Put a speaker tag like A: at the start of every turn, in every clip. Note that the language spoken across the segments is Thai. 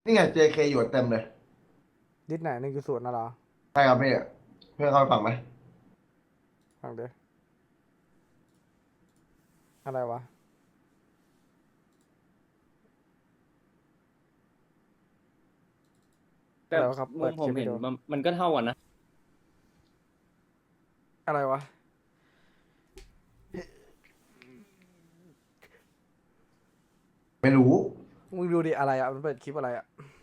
A: นี่ไง JK อยู่เต็มเลย
B: ดิสไหน1.0น่ะเหรอ
A: ใช่ครับพี่เพื่อนเข้าไปฟังไหม
B: ฟังเด้อะไรวะ
C: แต่
B: อะไรวะครับเปิ
C: มุมผมเห็น
B: ดคลิปให้ดู
C: มันก็เท่ากันนะ
B: อะไรวะ
A: ไม่รู้
B: มึงดูดิอะไรอ่ะมันเปิดคลิปอะไรอ่ะ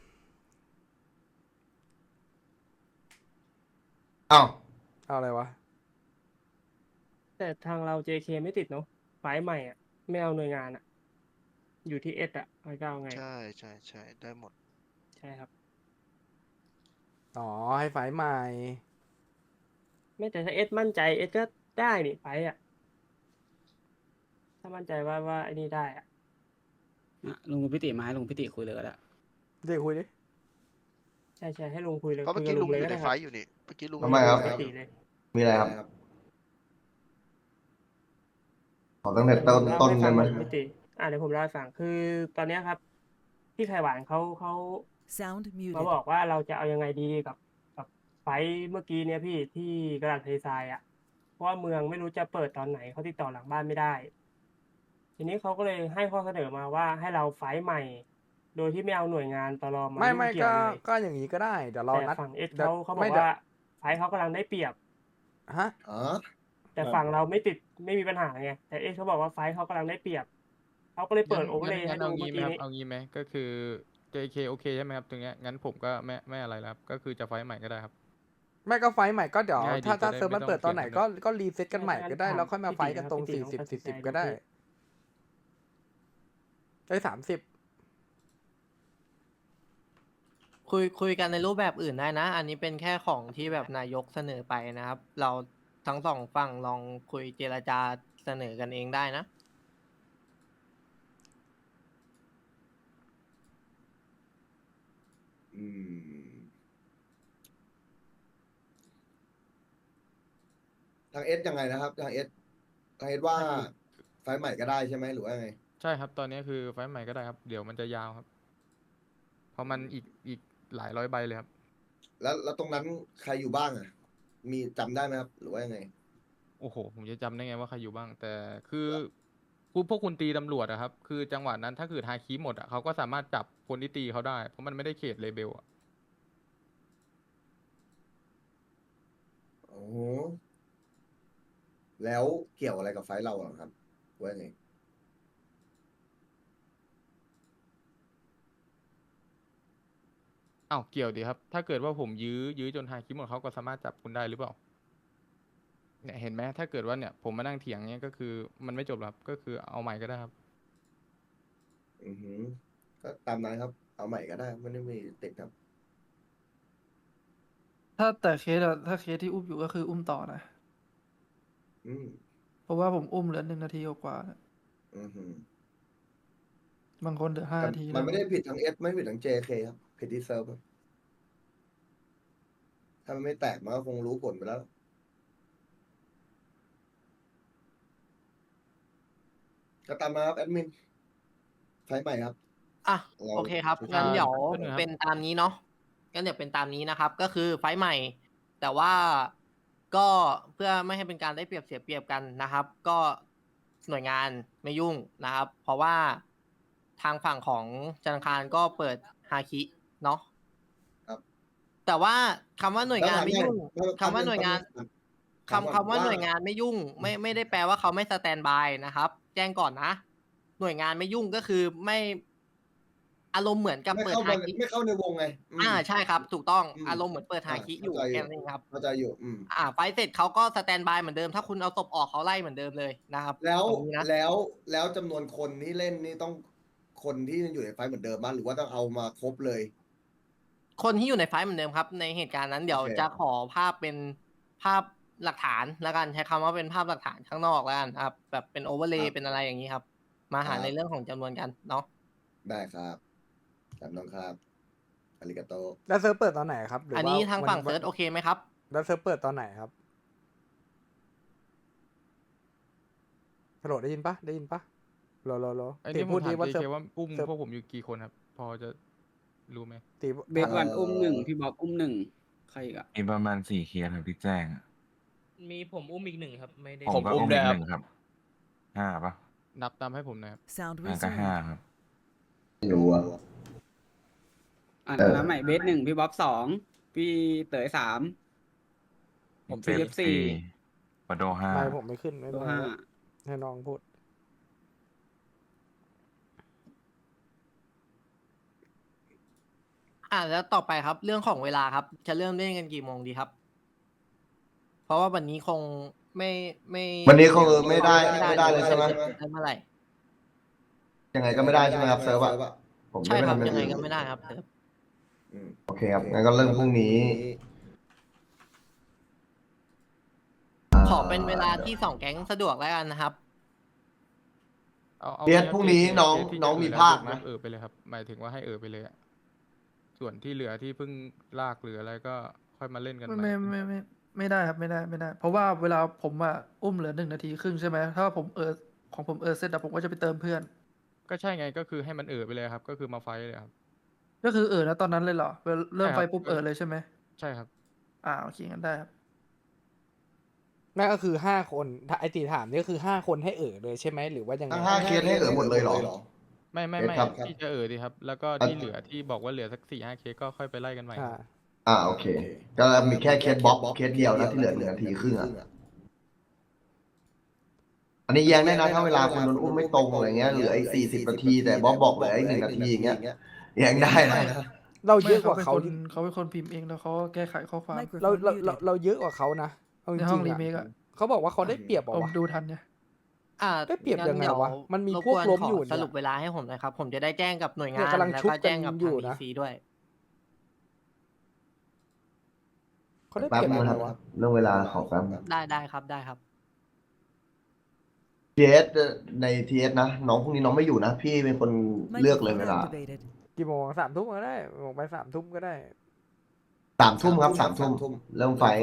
A: อ้าว
B: เอาอะไรวะ
D: แต่ทางเรา JK ไม่ติดเนาะไฟล์ใหม่อ่ะไม่เอาหน่วยงานอ่ะอยู่ที่เอสอ่ะไม่ก็เอาไง
E: ใช่ใช่ใช่ได้หมด
D: ใช่ครับ
B: อ๋อให้ไฟล์ใหม่
D: ไม่แต่ถ้าเอสมั่นใจเอสก็ได้นี่ไฟล์อ่ะถ้ามั่นใจว่าไอ้นี่ได้อ่ะ
F: ลุงพิติมาให้ลุงพิติคุยเลยก็ได้
B: เดี๋ยวคุยดิ
D: ใช่ให้ลุงคุยเลย
E: เพราะเมื่อกี้
D: คุยกับลุ
E: ลุงอยู่ในไฟ
D: งเลยก็ได้ครับ
E: ท์อยู่นี่เมื่อกี้ลุง
D: คุยกับลุง
A: ทำไมครับ
D: ปกติเลย
A: มีอะไรครับขอตั้งแต่
D: เดี๋ยว
A: ต้น
D: ผมเล่า
A: ต้นได้ไหม
D: ให้ฟังครับพี่ติเดี๋ยวผมเล่าให้ฟังคือตอนเนี้ยครับพี่ไข่หวานเขา
G: Sound
D: มา
G: muted.
D: บอกว่าเราจะเอายังไงดีกับไฟท์เมื่อกี้เนี่ยพี่ที่กระดาษทะเลทรายอ่ะเพราะว่าเมืองไม่รู้จะเปิดตอนไหนเขาติดต่อหลังบ้านไม่ได้ ทีนี้เขาก็เลยให้ข้อเสนอมาว่าให้เราไฟท์ใหม่ โดยที่ไม่เอาหน่วยงานตลมายุ่ง
B: ไม่ก็
D: เกี่ยวเลย
B: ก็อย่างนี้ก็ได้เดี๋ยวเรา
D: แต่
B: นัด
D: ฝั่งเอส
B: เดี๋ยว
D: เขาบอ
B: ไม่
D: กว่าไฟท์เขากำลังได้เปรียบ
B: ฮะ
A: อ๋อ
D: แต่ฝั่งเราไม่ติดไม่มีปัญหาไงแต่เอสเขาบอกว่าไฟท์เขากำลังได้เปรียบเขาก็เลยเปิ
H: งั้น
D: ดโอเวอร์เลย์ให้
H: งั้น
D: ดู
H: เอางี้ไหมครับ
D: เมื่อกี้นี้
H: เอางี้ไหมก็คือ JK โอเคใช่ไหมครับตรงเนี้ยงั้นผมก็ไม่อะไรแล้วครับก็คือจะไฟท์ใหม่ก็ได้ครับ
B: ไม่ก็ไฟล์ใหม่ก็เดี๋ยว
H: ง่ายดี
B: ถ้า
H: จะได้
B: เซิร์ฟมัน
H: ไม่ต้อง
B: เปิดตอนไหน
H: เถียงกัน
B: ก็รีเซ็ตกันใหม่ก็ได้
D: ถาม
B: แล้วค่อยมาไฟ
D: พี่ติ
B: ท์กันตรง
D: นะครับพี่ติลองตัดสินใจ
B: 40 40
D: ดู
B: ก็ได้
D: พี่
B: ได้30
I: คุยกันในรูปแบบอื่นได้นะ อันนี้เป็นแค่ของที่แบบนายกเสนอไปนะครับ เราทั้งสองฝั่งลองคุยเจรจาเสนอกันเองได้นะ
A: อืมทางเอสยังไงนะครับทางเอสว่าไฟล์ใหม่ก็ได้ใช่ไหมหรือว่าไง
H: ใช่ครับตอนนี้คือไฟท์ใหม่ก็ได้ครับเดี๋ยวมันจะยาวครับเพราะมันอีกหลายร้อยใบเลยครับ
A: แล้วตรงนั้นใครอยู่บ้างอ่ะมีจำได้ไหมครับหรือว่ายังไง
H: โอ้โหผมจะจำได้ไงว่าใครอยู่บ้างแต่คือพวกคุณตีตำรวจอะครับคือจังหวะนั้นถ้าเกิดฮาคิหมดอะเขาก็สามารถจับคนที่ตีเขาได้เพราะมันไม่ได้เขตเลเบลอะ
A: โอ้โหแล้วเกี่ยวอะไรกับไฟล์เราอะครับหรือว่ายังไง
H: อ้าวเกี่ยวดีครับถ้าเกิดว่าผมยื้อจนฮาคิหมดเขาก็สามารถจับคุณได้หรือเปล่าเนี่ยเห็นไหมถ้าเกิดว่าเนี่ยผมมานั่งเถียงเนี่ยก็คือมันไม่จบหรอกครับก็คือเอาใหม่ก็ได้ครับ
A: อือหือก็ตามนั้นครับเอาใหม่ก็ได้ไม่ได้มีติดครับ
J: ถ้าแต่เคสอะถ้าเคสที่อุ้มอยู่ก็คืออุ้มต่อนะ
A: อืม
J: เพราะว่าผมอุ้มเหลือ1 นาทีกว่าๆนะ
A: อือหือ
J: บางคนเหลือห้า
A: แต่
J: นาที
A: มัน
J: แล้ว
A: ไม่ได้ผิดทั้งเอสไม่ผิดทั้ง JK ครับผิดที่เซิร์ฟครับถ้ามันไม่แตกมันก็คงรู้ผลไปแล้วก็ตามมาครับแอดมินไฟล์ใหม่ครับ
I: อ่ะ
A: เรา
I: โอเคครับ
A: ชู
I: งั้นเดี๋ยว
H: แป๊บนึงครับ
I: เป็นตามนี้เนาะงั้นเดี๋ยวเป็นตามนี้นะครับ ก็คือไฟล์ใหม่ แต่ว่าก็เพื่อไม่ให้เป็นการได้เปรียบเสียเปรียบกันนะครับ ก็หน่วยงานไม่ยุ่งนะครับ เพราะว่าทางฝั่งของธนาคารก็เปิดฮาคิเนาะ
A: ครับ
I: แต่ว่าคำว่าหน่วยงานไม่ยุ่ง
A: แล้วถาม
I: คำว่าหน่วยงาน
A: ถามก่อน
I: คำว่าหน่วยงานไม่ยุ่งไม่ได้แปลว่าเขาไม่สแตนบายนะครับ แจ้งก่อนนะ หน่วยงานไม่ยุ่งก็คือไม่อารมณ์เหมือนกับเปิดฮาคิ
A: ไม่เข้าในวงไง
I: ใช่ครับ ถูกต้อง
A: อืม
I: อารมณ์เหมือนเปิดฮาคิอยู่
A: เข้าใจ
I: แค่นั้นเองครับ
A: เข้าใจอยู่
I: ไฟล์เสร็จเขาก็สแตนบายเหมือนเดิม ถ้าคุณเอาศพออกเขาไล่เหมือนเดิมเลยนะครับ
A: แล้ว
I: ตรงนี้นะ
A: แล้วจำนวนคนที่เล่นนี่ต้องคนที่ยังอยู่ในไฟล์เหมือนเดิมมั้ยหรือว่าต้องเอามาครบเลย
I: คนที่อยู่ในไฟล์เหมือนเดิมครับ ในเหตุการณ์นั้นเดี๋ยว
A: โอเค
I: จะขอภาพเป็นภาพหลักฐานแล้วกันใช้คำว่าเป็นภาพหลักฐานข้างนอกแล้วกันครับ แบบเป็นโอเวอร์เลย์เป็นอะไรอย่างนี้ครับ มาหาในเรื่องของจำนวนกันเนาะ
A: ได้ครับจำต้องครับอาริกาโต
B: แล้วเซิร์ฟเปิดตอนไหนครับหรือ
I: อัน
B: ว่า
I: นี้ทางฝั่ง
B: วัน
I: เซิร์ชโอเคไหมครับ
B: แล้วเซิร์ฟเปิดตอนไหนครับฮัลโหลได้ยินปะ
H: ไอ้
B: ติ
H: นี่ผ
B: พู
H: ม
B: ด
H: ถา
B: ดี
H: ม
B: ว่า
H: JK
B: เซิร์ฟ
H: ว่าอุ้ม
B: เซิร์ฟ
H: พวกผมอยู่กี่คนครับพอจะรู้ไหม
B: ตี
F: เบสวันอุ้มหนึ่งพี่บ๊อบอุ้มหนึ่งใครอีกอะ
C: มีประมาณ4 เคสครับที่แจ้งอะ
G: มีผมอุ้มอีกหนึ่งครับ ไม่ได้
C: ผมก็
G: อุ้
C: อุ้
G: ม
C: ม
G: ด้ว
C: อี
G: ย
C: ก
G: ครั
C: 1
G: บ
C: ครับ5ปะ
H: นับตามให้ผมหนะครับ
K: Sound
C: ก็
K: resumed.
C: 5ครับ
A: ไม่รู้อะ
F: อ่าน
A: เออ
F: น้ำใหม่เบส1พี่บ๊อบ2พี่เต๋อ3
G: ผม
F: พี่เล็บ4
C: ปะโด
B: ไม่
C: 5
B: ผมไม่ขึ้นไม่
F: โล
B: เป็นไร
F: ห้า
B: ให้น้องพูด
I: แล้วต่อไปครับ เรื่องของเวลาครับ จะเริ่มเล่นกันกี่โมงดีครับ เพราะว่าวันนี้คงไม่
A: วันนี้คงไม่ได้เลยใช่ไหม
I: ได้เมื่อไหร่
A: ยังไงก็ไม่ได้ใช่ไหมครับเซิร์ฟอะผม
I: ใช่ครับ
A: ม่
I: ยังไง
A: ทำ
I: ก็ไม่ได้ครับเซิร์ฟ
A: โอเคครับงั้นก็เริ่มพรุ่งนี้
I: ขอเป็นเวลาที่สองแก๊งสะดวกแล้วกันนะครับ
H: เอา
A: เบียดพรุ่งนี้
H: เคส
A: น้อง
H: ที่
A: น้อง
H: จะ
A: มี
H: แล้ว
A: ภาคนะ
H: ไปเลยครับ หมายถึงว่าให้ไปเลยอะส่วนที่เหลือที่เพิ่งลากหรืออะไรก็ค่อยมาเล่นกันใหม่
J: ไม่ได้ครับไม่ได้ เพราะว่าเวลาผมอะอุ้มเหลือ1 นาทีครึ่งใช่ไหมถ้าผมของผมเสร็จแล้วผมก็จะไปเติมเพื่อน
H: ก็ใช่ไงก็คือให้มันไปเลยครับ ก็คือมาไฟท์เลยครับ
J: ก็คือนะตอนนั้นเลยเหรอเริ่ม
H: ใช่ครับ
J: ไฟปุ๊บเลยใช่ไหม
H: ใช่ครับ
J: โอเคงั้นได้ครับ
B: นั่นก็คือ5 คนถ้าไอตีถามนี่ก็คือ5 คนให้เลยใช่ไหมหรือว่ายังไง
A: ทั้ง5 เคสให้หมดเลยเหรอ
H: ไม่
A: ครับ
H: ที่จะดีครับ แล้วก็ที่เหลือที่บอกว่าเหลือสัก4-5 เคสก็ค่อยไปไล่กันใหม่
A: โอเค ก็มีแค่เคสบ๊อบเคสเดียวนะที่เหลือ1 นาทีครึ่งอะอันนี้แย้งได้นะถ้าเวลาคุณโดนอุ้มไม่ตรงอะไรเงี้ยเหลืออีก40 นาทีแต่บ๊อบบอกเหลืออีก1 นาทีอย่างเงี้ยแย้งได้นะ
B: เราเยอะกว่า
J: ไม่
B: เขา
J: เขาเป็นคนพิมพ์เองแล้วเขาแก้ไขข้อความ
K: Microphone muted.
B: เราเยอะกว่าเขานะเอาจ
J: ในห้
B: ริ
J: อง
B: ง
J: รี
B: ๆ
J: เมค
B: อะ
J: อะ
B: เขาบอกว่าเขาได้เปรียบเหร
J: ผ
B: อ
J: ม
B: วะ
J: ดูทันเนี่ย
B: ได้เปรียบยังไงวะมันมี
I: รบ
B: พวก
I: น
B: ล้ม
I: ข
B: อยู่เนี่ย
I: สรุปเวลาให้ผมหนะครับ ผมจะได้แจ้งกับหน่วยงา
B: เนี่ย
I: น
B: กำลัง
I: แล้ว
B: ชุบ
I: ก็แจ้งกับ
B: กันอยู่
I: ทาง
B: นะ
I: BC ด้วย
B: เขาได้เป
A: แป๊บ
B: รียบ
A: นึ
B: ยัง ง
A: ค
B: ไง
A: รับ
B: วะ
A: เรื่องเวลาขอแป๊บ
I: ได้ครับได้ครับ
A: ทีเอสในทีเอสนะน้องพรุ่งนี้น้องไม่อยู่นะ พี่เป็นคนเลือกเลยเว
K: Microphone
A: ลา
K: activated.
B: กี่โมง3 ทุ่มก็ได้บอกไป3 ทุ่มก็ได้
A: 3 ทุ่มครับ3 ทุ่มเริ่มไฟท์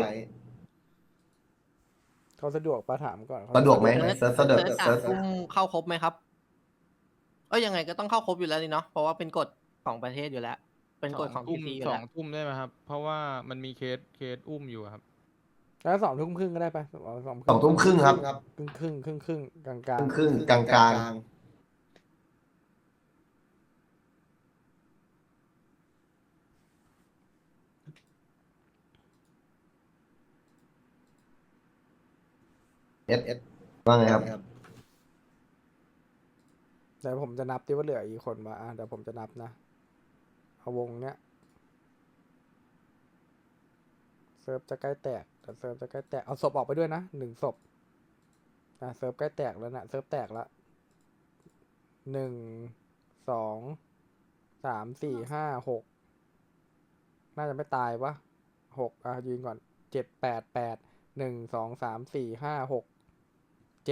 B: เขาสะดวกปะถามก่อนเขา
A: สะดวกไหม
I: เซิร์ช
A: เซิร์ช
I: เซิร์ช
A: เซิร์ช
I: 3 ทุ่มเข้าครบไหมครับยังไงก็ต้องเข้าครบอยู่แล้วนี่เนาะเพราะว่าเป็นกฎของประเทศอยู่แล้ว เป็นกฎของ
H: ทุ่ม
I: BC อยู่
H: สอ
I: แล้ว
H: งทุ่มได้ไหมครับ เพราะว่ามันมีเคสอุ้มอยู่ครับ
B: แล้ว2 ทุ่มครึ่งก็ได้ปะ
A: 2 ทุ่มครึ่งครับ
B: ครึ่งกลาง
A: ครึ่งกลางกลางเอสว่าไงครับ
B: ๆแต่ผมจะนับดิว่าเหลืออีกคนวะเดี๋ยวผมจะนับนะเอาวงเนี้ยเซิร์ฟจะใกล้แตกแต่เซิร์ฟจะใกล้แตกเอาศพออกไปด้วยนะ1 ศพเซิร์ฟใกล้แตกแล้วนะเซิร์ฟแตกละ1 2 3 4 5 6น่าจะไม่ตายวะ6ยืนก่อน7 8 8 1 2 3 4 5 6 7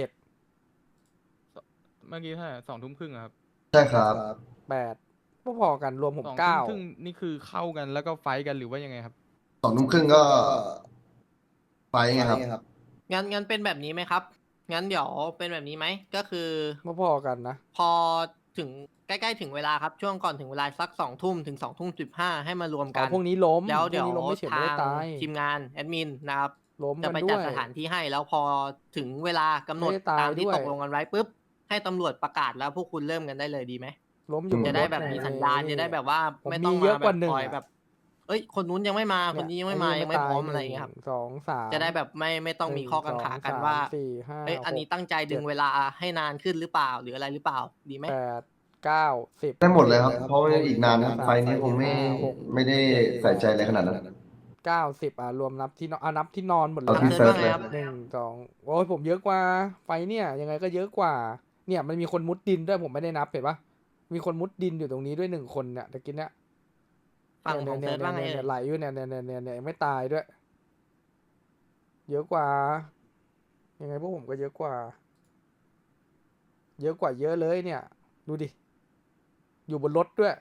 H: เมื่อกี้เท่าไหร่2 ทุ่มครึ่งอะครับ
A: ใช่ครับ
B: 8พอๆกันรวมผม
H: 2 ทุ่มครึ่ง
B: 9
H: นี่คือเข้ากันแล้วก็ไฟท์กันหรือว่ายังไงครับ
A: 2 ทุ่มครึ่งก็ไฟท์ไงครับ
I: งั้นเป็นแบบนี้ไหมครับ งั้นเดี๋ยวเป็นแบบนี้ไหมก็คือ
B: พอๆกันนะ
I: พอถึงใกล้ๆถึงเวลาครับช่วงก่อนถึงเวลาสัก2 ทุ่มถึง2 ทุ่ม 15ให้มารวมกัน
B: พวกนี้ล้ม
I: แล้วเดี๋ยว
B: พกนี้ล้มไม่เฉยไม่
I: ทา
B: ได้
I: ง
B: ตาย
I: ทีมงานแอดมินนะครับ
B: ล้ม
I: จะ
B: กัน
I: ไป
B: ด้
I: จัด
B: วย
I: สถานที่ให้แล้วพอถึงเวลากำหนด
B: ไม่ได้ตาย
I: ตามที่
B: ด้วย
I: ตกลงกันไว้ปุ๊บให้ตำรวจประกาศแล้วพวกคุณเริ่มกันได้เลยดีไหม
B: ล้มอยู่
I: จะได้แบบ
B: รถ
I: มี
B: ใน
I: สัญญาณจะได้แบบว่า
B: ผม
I: ไม่ต้อง
B: มีเย
I: มา
B: อะ
I: แบ
B: กว่า
I: บ
B: 1
I: คอยแบบ คนนู้นยังไม่มาคนนี้ยังไม่มายังไม่พร้อมอะไรอย่างเงี้ยครับ
B: 1 2 3
I: จะได้แบบไม่ต้องมีข้อกังขากันว่า
B: 4 5
I: อันนี้ตั้งใจดึงเวลาให้นานขึ้นหรือเปล่าหรืออะไรหรือเปล่าดีไหม
B: 8 9 10
A: ได้หมดเลยครับ เพราะว่าอีกนานนะไฟท์นี้คงไม่ได้ใส่ใจอะไรขนาดนั้น
B: 90รวมนับที่นอนนับที่นอนหมดเล
A: เอา
B: ย
A: ที่
B: นะ
A: เซิร์ชเลย
B: 1 2โอ้ยผมเยอะกว่าไฟเนี่ยยังไงก็เยอะกว่า เนี่ยมันมีคนมุดดินด้วยผมไม่ได้นับเห็นปะมีคนมุดดินอยู่ตรงนี้ด้วย1 คนเนี่ยตะกี้เนี่ย
I: ฝั่งของเซิร์ชว่าไง
B: เนี่ย
I: เอ่ย
B: ไหลอยู่เนี่ยยังไม่ตายด้วย เยอะกว่า ยังไงพวกผมก็เยอะกว่า เยอะกว่าเยอะเลยเนี่ย ดูดิ อยู่บนรถด้วย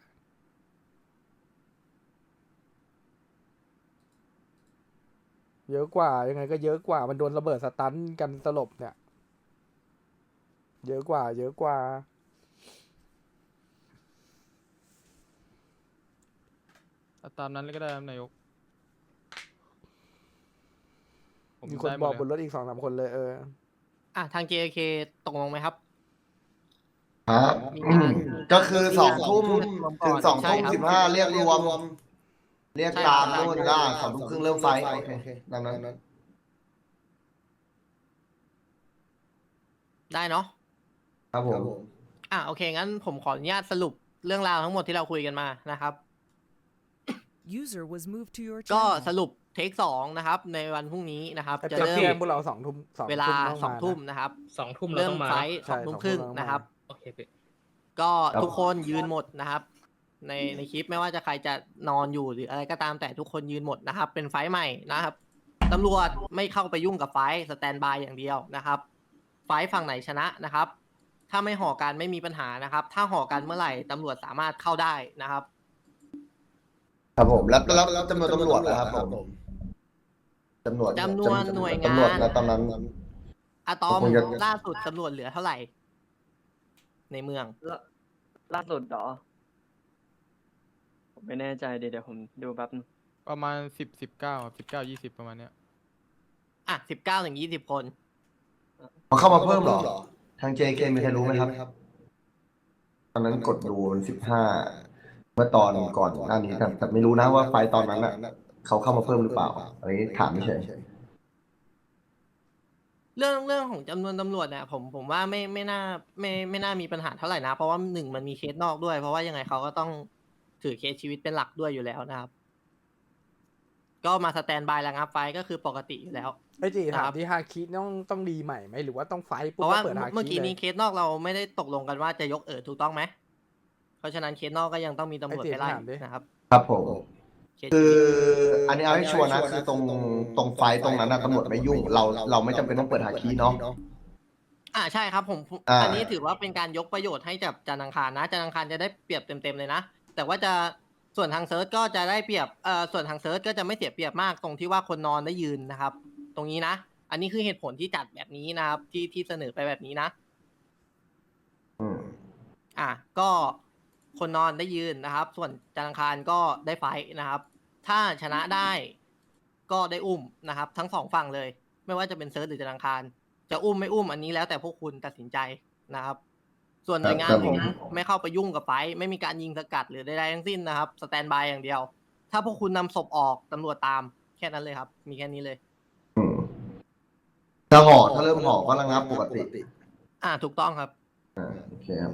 B: เยอะกว่ายังไงก็เยอะกว่ามันโดนระเบิดสตันกันสลบเนี่ย เยอะกว่า เยอะกว่า
H: ตามนั้นเลยก็ได้ครับนายก
B: มีคน
H: ได้ห
B: บอก
H: เลย
B: บนรถอีก2-3 คนเลย
I: ทาง JK ตกลงไหมครับ
A: ครับ
I: มีการ
A: ก็คือ2 ทุ่ม
I: ก่
A: ถึ
I: อง น
A: 2
I: ใช่
A: ทุ่ม
I: ครับ
A: 15เรียกรวม เรียก
I: ใช่
A: ตาม
I: ครับ
A: นู่นได้2 ทุ่มครึ่งเริ่มไฟท์โอเคตามนั้น
I: ได้เนาะ
A: ครับผม
I: โอเค งั้นผมขออนุญาตสรุปเรื่องราวทั้งหมดที่เราคุยกันมานะครับ
K: User was moved to your
I: ก็
K: channel.
I: สรุปเทค2นะครับ ในวันพรุ่งนี้นะครับ
B: ไอ้
I: จะ
B: เป็ด
I: เริ่ม
B: แจ้งพวกเรา2 ทุ่ม
I: เวลา
B: ต้องมา
I: 2 ทุ่มนะครับ
G: 2 ทุ่มเรา
I: เริ่
G: ต้
I: ม
G: องมา
I: ไฟ
G: นะ
I: ท์
B: ใช่
I: 2 ทุ่มครึ่ง
B: 2 ทุ่มต้องมา
I: นะครับ
G: โอเคพี่
I: ก็
A: ครับ
I: ทุกคนยืนหมดนะครับ ในคลิปไม่ว่าจะใครจะนอนอยู่หรืออะไรก็ตามแต่ทุกคนยืนหมดนะครับ เป็นไฟท์ใหม่นะครับตำรวจไม่เข้าไปยุ่งกับไฟท์สแตนบายอย่างเดียวนะครับ ไฟท์ฝั่งไหนชนะนะครับ ถ้าไม่ห่อกันไม่มีปัญหานะครับ ถ้าห่อกันเมื่อไหร่ตำรวจสามารถเข้าได้นะครับ
A: ครับผมแล้วจำนวนตำรวจนะครับผมจำนวน
I: จำนวนหน่วยงาน
A: ตำรวจนะตอนนั้น
I: อะตอม
A: ผมจะ
I: ล่าสุดตำรวจเหลือเท่าไหร่ ในเมือง
L: ล่าสุดเหรอ ผมไม่แน่ใจเดี๋ยวผมดูแป๊บนึง
H: ประมาณ19 20ประมาณเนี้ย
I: 19 ถึง 20 คน
A: เขาเข้ามาเพิ่มเหรอ ทาง JK มีใครรู้ไหมครับ ตอนนั้นกดดูมัน15 เมื่อตอนก่อนหน้านี้แต่ไม่รู้นะว่าไฟล์ตอนนั้นน่ะเขาเข้ามาเพิ่มหรือเปล่าอันนี้ถามไม่เฉย
I: เรื่องของจำนวนตำรวจเนี่ยผมว่าไม่น่ามีปัญหาเท่าไหร่นะ เพราะว่าหนึ่งมันมีเคสนอกด้วย เพราะว่ายังไงเขาก็ต้องถือเคสชีวิตเป็นหลักด้วยอยู่แล้วนะครับ ก็มาสแตนบายระงับไฟก็คือปกติอยู่แล้ว
B: ไอ้จี
I: ครั
B: ถาม
I: บ
B: ที่ฮาคิต้องรีใหม่ไหมหรือว่าต้องไฟท์
I: เพ
B: ปุ๊บ
I: ราะ
B: ก็
I: ว่า
B: เปิดฮาคิ
I: เมื่อกี้
B: เลย
I: นี้เคสนอกเราไม่ได้ตกลงกันว่าจะยกถูกต้องไหมเพราะฉะนั้นเคสนอกก็ยังต้องมีตำรวจไปไล่นะครับ
A: ครับผม
I: เคส
A: คืออันนี้เอาให้ชัวร์นะคือตรงไฟล์ตรงนั้นนะตำรวจไม่ยุ่งเราไม่จำเป็นต้องเปิดหาคีย์เนาะ
I: ใช่ครับ
A: อ่า
I: อันนี้ถือว่าเป็นการยกประโยชน์ให้กับจันทร์อังคารนะจันทร์อังคารจะได้เปรียบเต็มๆเลยนะ แต่ว่าจะส่วนทางเซิร์ชก็จะได้เปรียบส่วนทางเซิร์ชก็จะไม่เสียเปรียบมากตรงที่ว่าคนนอนได้ยืนนะครับ ตรงนี้นะ อันนี้คือเหตุผลที่จัดแบบนี้นะครับ ที่เสนอไปแบบนี้นะ
A: อืม
I: ก็คนนอนได้ยืนนะครับ ส่วนจันทร์อังคารก็ได้ไฟท์นะครับ ถ้าชนะได้ก็ได้อุ้มนะครับ ทั้งสองฝั่งเลย ไม่ว่าจะเป็นเซิร์ชหรือจันทร์อังคารจะอุ้มไม่อุ้มอันนี้แล้วแต่พวกคุณตัดสินใจนะครับ ส่วนหน่วยงานผมไม่เข้าไปยุ่งกับไฟท์ไม่มีการยิงสกัดหรือใดๆทั้งสิ้นนะครับสแตนบายอย่างเดียว ถ้าพวกคุณนำศพออกตำรวจตามแค่นั้นเลยครับ มีแค่นี้เลย
A: อืมถ้าเริ่มห่อก็ระงับปกติ
I: ถูกต้องครับ
A: โอเคครับ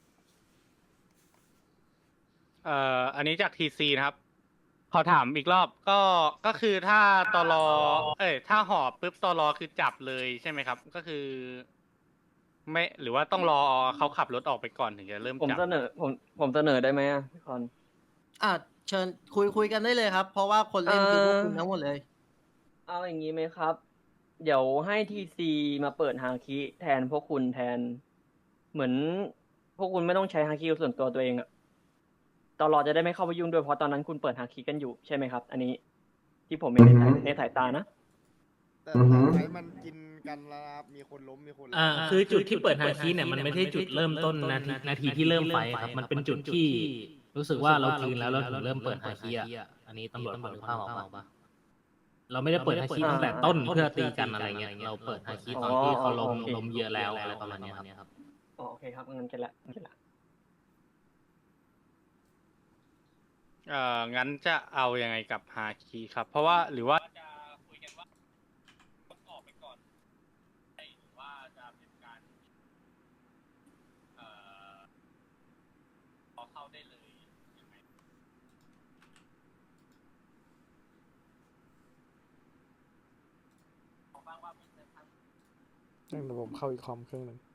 M: อันนี้จากทีซีนะครับขอถามอีกรอบก็คือถ้าตลถ้าหอบปุ๊บตลคือจับเลยใช่ไหมครับ ก็คือ ไม่หรือว่าต้องรอเขาขับรถออกไปก่อนถึงจะเริ่ม
L: ผม
M: จับ
L: เสนอผมเสนอได้ไหมอ่ะพี่คอน
I: เชิญคุยกันได้เลยครับ เพราะว่าคนเล่นคือพวกคุณทั้งหมดเลย
L: เอาอย่างนี้ไหมครับ เดี๋ยวให้ทีซีมาเปิดฮาคิแทนพวกคุณแทน เหมือนพวกคุณไม่ต้องใช้ฮาคิส่วนตัวเองอะตลอดจะได้ไม่เข้าไปยุ่งด้วยเพราะตอนนั้นคุณเปิดฮาคิกันอยู่ใช่ไหมครับ อันนี้ที่ผมไม่ในสายตานะ
A: อือฮึ
N: มันกินกันแล้วนะครับมีคนล้มมีคน
G: คือจุดที่เปิดฮาคิเนี่ยมันไม่ใช่จุดเริ่มต้นนาทีที่เริ่มไฟครับ มันเป็นจุดที่รู้สึกว่าเราคืนแล้วเราถึงเริ่มเปิดฮาคิอ่ะอันนี้ตำรวจพอนึกภาพออกปะเราไม่ได้เปิดฮาคิตั้งแต่ต้นเพื่อตีกันอะไรเงี้ยเราเปิดฮาคิตอนที่เขาล้มเยอะแล้วอะไรประมาณเนี้ยครับ
L: โอเคครับงั้นกันละ
M: งั้นจะเอายังไงกับฮาคิครับ เพราะว่าหรือว่าจะคุยกันว่าออกไปก่อนหรือว่าจะเป็นการพอเข้าได้เลยยังไง
B: เดี๋ยวผมเข้าอีกคอมเครื่องหนึ่ง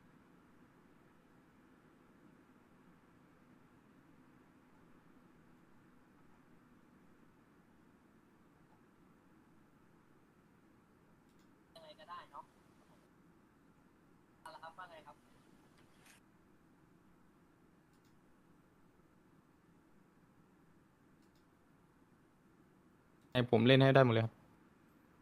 I: ยังไงก็ได้เนาะครับว่าไงครับ
H: ให้ผมเล่นให้ได้หมดเลยครับ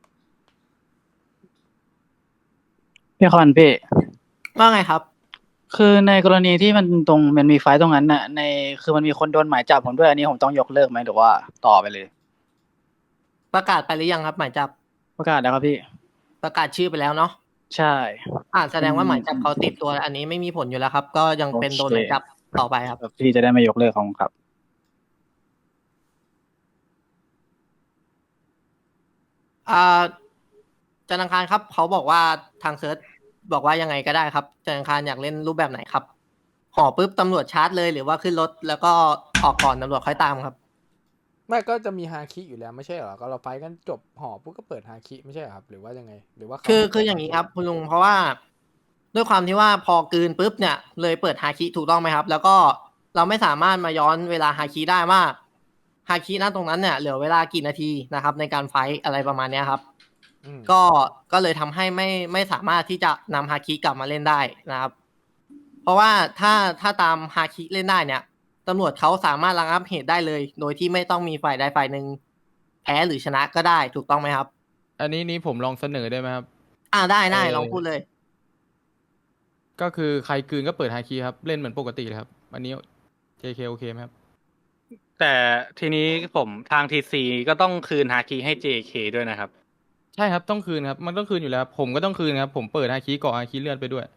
L: พี่คอนพี่
I: ว่าไงครับ
O: คือในกรณีที่มันมีไฟต์ตรงนั้นน่ะคือมันมีคนโดนหมายจับผมด้วยอันนี้ผมต้องยกเลิกไหมหรือว่าต่อไปเลย
I: ประกาศไปหรือยังครับหมายจับ
O: ประกาศแล้วครับพี่
I: ประกาศชื่อไปแล้วเนาะ
O: ใช่
I: แสดงว่าหมายจับเขาติดตัวอันนี้ไม่มีผลอยู่แล้วครับ ก็ยังเป็นโดนหมายจับต่อไปครับ
O: พี่จะได้ไม่ยกเลิกของครับ
I: จันทร์อังคารครับเขาบอกว่าทางเซิร์ชบอกว่ายังไงก็ได้ครับจันทร์อังคารอยากเล่นรูปแบบไหนครับห่อปุ๊บตำรวจชาร์จเลยหรือว่าขึ้นรถแล้วก็ออกก่อนตำรวจค่อยตามครับ
B: ไม่ก็จะมีฮาคิอยู่แล้วไม่ใช่เหรอก็เราไฟกันจบห่อปุ๊บก็เปิดฮาคิไม่ใช่เหรอครับหรือว่ายังไงหรือว่า
I: คืออย่างนี้ครับคุณลุงเพราะว่าด้วยความที่ว่าพอกลืนปุ๊บเนี่ยเลยเปิดฮาคิถูกต้องไหมครับ แล้วก็เราไม่สามารถมาย้อนเวลาฮาคิได้ว่าฮาคิณตรงนั้นเนี่ยเหลือเวลากี่นาทีนะครับในการไฟอะไรประมาณเนี้ยครับก็เลยทำให้ไม่สามารถที่จะนำฮาคิกลับมาเล่นได้นะครับ เพราะว่าถ้าตามฮาคิเล่นได้เนี่ยตำรวจเขาสามารถระงับเหตุได้เลย โดยที่ไม่ต้องมีฝ่ายใดฝ่ายหนึ่งแพ้หรือชนะก็ได้ถูกต้องไหมครับ
H: อันนี้ผมลองเสนอได้ไหมครับ
I: ได้ลองพูดเลย
H: ก็คือใครกลืนก็เปิดฮาคีครับเล่นเหมือนปกติเลยครับอันนี้ JK โอเคไหมครับ
M: แต่ทีนี้ผมทาง TC ก็ต้องคืนฮาคีให้ JK ด้วยนะครับ
H: ใช่ครับต้องคืนครับมันต้องคืนอยู่แล้วครับผมก็ต้องคืนครับผมเปิดฮาคีเกาะฮาคีเลื่อนไปด้วย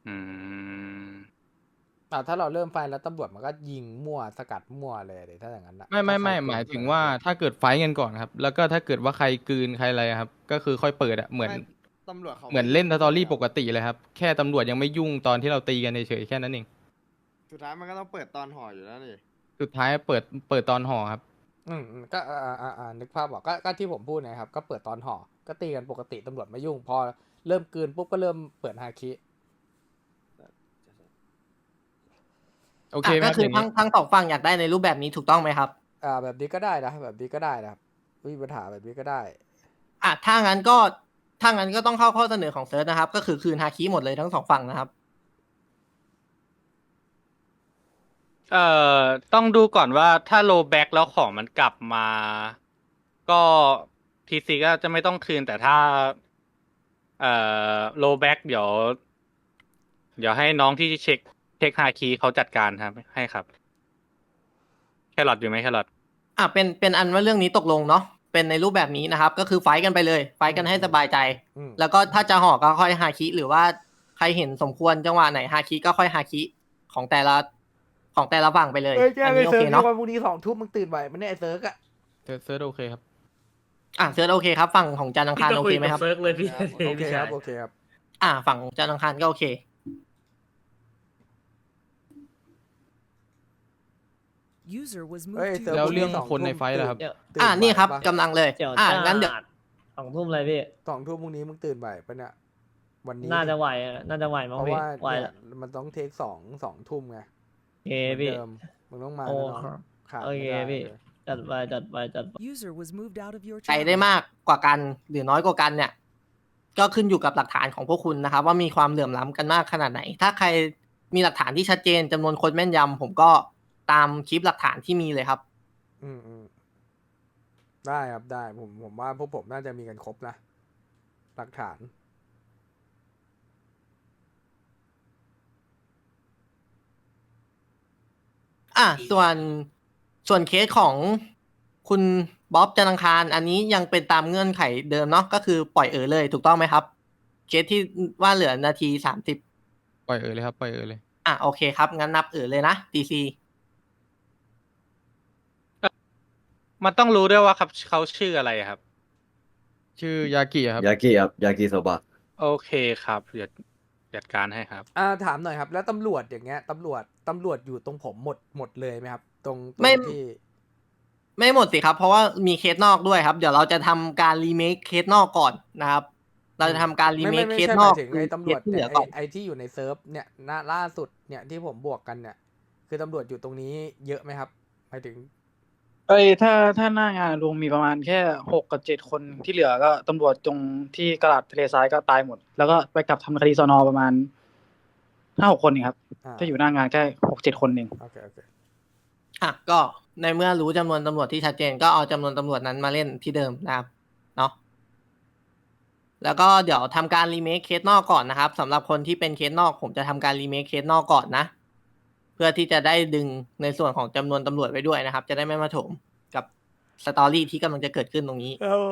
B: ถ้าเราเริ่มไฟแล้วตำรวจมันก็ยิงมั่วสกัดมั่วเลยถ้าอย่างนั้นนะ
H: ไม่หมายถึงว่าถ้าเกิดไฟท์กันก่อนครับแล้วก็ถ้าเกิดว่าใครกลืนใครอะไรครับก็คือค่อยเปิดอะเหมือน
N: ตำรวจเขา
H: เหมือนเล่นสตอรี่ปกติเลยครับแค่ตำรวจยังไม่ยุ่งตอนที่เราตีกันเฉยๆแค่นั้นเอง
N: สุดท้ายมันก็ต้องเปิดตอนห่ออยู่แล้วนี่
H: สุดท้ายเปิดตอนห่อครับ
B: ก็นึกภาพบอกก็ที่ผมพูดนะครับก็เปิดตอนห่อก็ตีกันปกติตำรวจไม่ยุ่งพอเริ่มกลืนปุ๊บก็เริ่มเปิดฮาคิ
H: โอเคไหม
I: ก็คือทั้งสองฝั่งอยากได้ในรูปแบบนี้ถูกต้องไหมครับ
B: แบบนี้ก็ได้นะแบบนี้ก็ได้นะครับไม่มีปัญหาแบบนี้ก็ได้
I: ถ้างั้นก็ต้องเข้าข้อเสนอของเซิร์ชนะครับก็คือคืนฮาคิหมดเลยทั้งสองฝั่งนะครับ
M: ต้องดูก่อนว่าถ้าโลแบ็กแล้วของมันกลับมา ก็ TC ก็จะไม่ต้องคืนแต่ถ้าโลแบ็กเดี๋ยวให้น้องที่เช็คฮาคีเขาจัดการครับให้ครับแครอทอยู่ไหมแครอท
I: เป็นอันว่าเรื่องนี้ตกลงเนาะเป็นในรูปแบบนี้นะครับก็คือไฟกันไปเลยไฟกันให้สบายใจแล้วก็ถ้าจะห่อก็ค่อยฮาคิหรือว่าใครเห็นสมควรจังหวะไหนฮาคิก็ค่อยฮาคิของแต่ละฝั่งไปเลย
B: อันนี้โอเคเนาะวันพรุ่งนี้20:00 มึงตื่นไหวมันเนี่ยไอ้เซิร์กอะ
H: เซิร์ชโอเคครับ
I: เซิร์ชโอเคครับฝั่งของจันทร์อังคารโอเคไหมครับ
G: เซิร์กเลยพี่
B: โอเคครับโอเคครับ
I: ฝั่งของจันทร์อังคารก็โอเค
H: แล้วเรื่องคนในไฟท์ล่ะครับ
I: นี่ครับกำลังเลยงั้นเดี๋ยว
G: 20:00เลยพี่
B: 20:00 พรุ่งนี้มึงตื่นไหวปะเนี่ยวันนี้
G: น่าจะไหวมั้งพี่
B: เพราะว่ามันต้องเทค2 ทุ่มไง
G: โอเคพี่
B: มึงต้องมา
G: โอเคพี่จัดไป
I: ใครได้มากกว่ากันหรือน้อยกว่ากันเนี่ยก็ขึ้นอยู่กับหลักฐานของพวกคุณนะครับว่ามีความเหลื่อมล้ำกันมากขนาดไหนถ้าใครมีหลักฐานที่ชัดเจนจำนวนคนแม่นยำผมก็ตามคลิปหลักฐานที่มีเลยครับ
B: ได้ครับได้ผมว่าพวกผมน่าจะมีกันครบนะหลักฐาน
I: ส่วนเคสของคุณบ๊อบจันทร์อังคารอันนี้ยังเป็นตามเงื่อนไขเดิมเนาะก็คือปล่อยเลยถูกต้องไหมครับเคสที่ว่าเหลือนาที30
H: ปล่อยเลยครับปล่อยเลย
I: โอเคครับงั้นนับเลยนะ DC
M: มันต้องรู้ด้วยว่าครับเขาชื่ออะไรครับ
H: ชื่อยากิครับ
P: ยากิโซบะ
M: โอเคครับเดี๋ยวจัดการให้ครับ
B: ถามหน่อยครับแล้วตำรวจอย่างเงี้ยตำรวจอยู่ตรงผมหมดเลยไหมครับตรงที่
I: ไม่หมดสิครับเพราะว่ามีเคสนอกด้วยครับเดี๋ยวเราจะทำการรีเมคเคสนอกก่อนนะครับเราจะทำการรีเมคเคสนอก
B: ถึงไอ้ตำรวจไอ้ที่อยู่ในเซิร์ฟเนี่ยล่าสุดเนี่ยที่ผมบวกกันเนี่ยคือตำรวจอยู่ตรงนี้เยอะไหมครับหมายถึง
O: ถ้าหน้างานลุงมีประมาณแค่6 กับ 7 คนที่เหลือก็ตำรวจตรงที่กระดาษทะเลทรายก็ตายหมดแล้วก็ไปกลับทำคดีสน.ประมาณ 5-6 คนเองครับถ้าอยู่หน้างานแค่ 6-7 คนเอง
B: โอเค
I: ก็ในเมื่อรู้จำนวนตำรวจที่ชัดเจนก็เอาจำนวนตำรวจนั้นมาเล่นที่เดิมนะครับเนาะแล้วก็เดี๋ยวทำการรีเมคเคสนอกก่อนนะครับสำหรับคนที่เป็นเคสนอกผมจะทำการรีเมคเคสนอกก่อนนะ เพื่อที่จะได้ดึงในส่วนของจำนวนตำรวจไว้ด้วยนะครับ จะได้ไม่มาโถมกับสตอรี่ที่กำลังจะเกิดขึ้นตรงนี้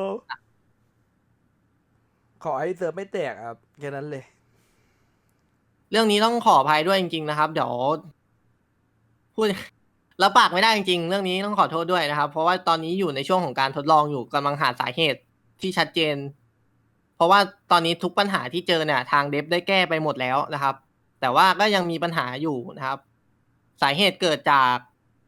B: ขอให้เซิร์ฟไม่แตกครับแค่นั้นเลย
I: เรื่องนี้ต้องขออภัยด้วยจริงๆนะครับ เดี๋ยวพูด รับปากไม่ได้จริงๆ เรื่องนี้ต้องขอโทษด้วยนะครับ เพราะว่าตอนนี้อยู่ในช่วงของการทดลองอยู่กำลังหาสาเหตุที่ชัดเจน เพราะว่าตอนนี้ทุกปัญหาที่เจอเนี่ยทางเดฟได้แก้ไปหมดแล้วนะครับ แต่ว่าก็ยังมีปัญหาอยู่นะครับ สาเหตุเกิดจาก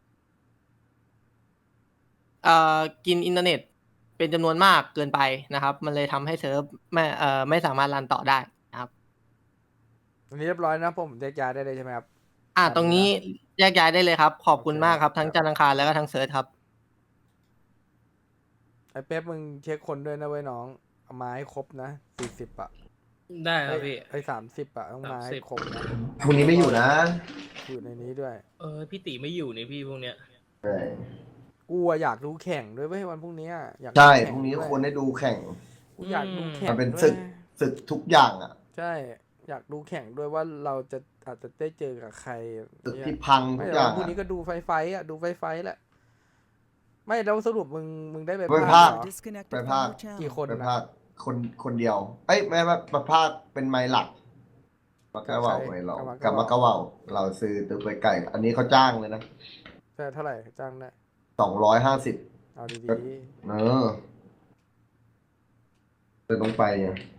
I: กินอินเทอร์เน็ตเป็นจำนวนมากเกินไปนะครับ มันเลยทำให้เซิร์ฟไม่สามารถรันต่อได้นะครับ
B: วันนี้เรียบร้อยนะผมแยกย้ายได้เลยใช่ไหมครับ
I: ตรงนี้แยกย้ายได้เลยครับ ขอบคุณมากครับทั้งจันทร์อังคารแล้วก็ทั้งเซิร์ชครับ
B: ไอ้เป๊ปมึงเช็คคนด้วยนะเว้ยน้องเอามาให้ครบนะ40 อ่ะ
G: ได้ครับพี่
B: ไอ้30 อ่ะต้องมาให้ครบนะ
A: พรุ่งนี้ไม่อยู่นะ
B: อยู่ในนี้ด้วย
G: พี่ติไม่อยู่นี่พี่พวกเนี้ย
A: ใช่
B: กูอะอยากดูแข่งด้วยเว้ยวันพรุ่งนี้อะอยากดู
A: ใช่
B: แข่
A: พรุ่งนี้
B: ด้วย
A: ควรได้ดูแข่ง
B: กูอยากดูแข่ง
A: มันเป็น
B: ด้วย
A: ศึกทุกอย่างอ่ะ
B: ใช่ อยากดูแข่งด้วยว่าเราจะอาจจะได้เจอกับใคร
A: ศึก
B: เนี่ย
A: ที่พัง
B: ไม่
A: ทุก
B: แต่
A: อย่า
B: ว่าง พรุ่งนี้ก็ดูไฟอ่ะดูไฟแหละ ไม่แล้วสรุปมึงได้ไป
A: ไป
B: ภา
A: ภา
B: ค
A: ค
B: เหรอ
K: Disconnected
A: ไป
K: from
A: ภาค
K: your channel.
B: กี่คน
A: ไป
B: นะ
A: ภาคคนเดียว เอ้ยไม่ว่าประภาคเป็นไม้หลักมากระเว่าไว้เรากับมากระเว่าเราซื้อตึกไปไก่ อันนี้เขาจ้างเลยนะ
B: ใช่เท่าไหร่จ้างได้
A: 250
B: เอาดี
A: เออจะต้องไปไง
B: ๆ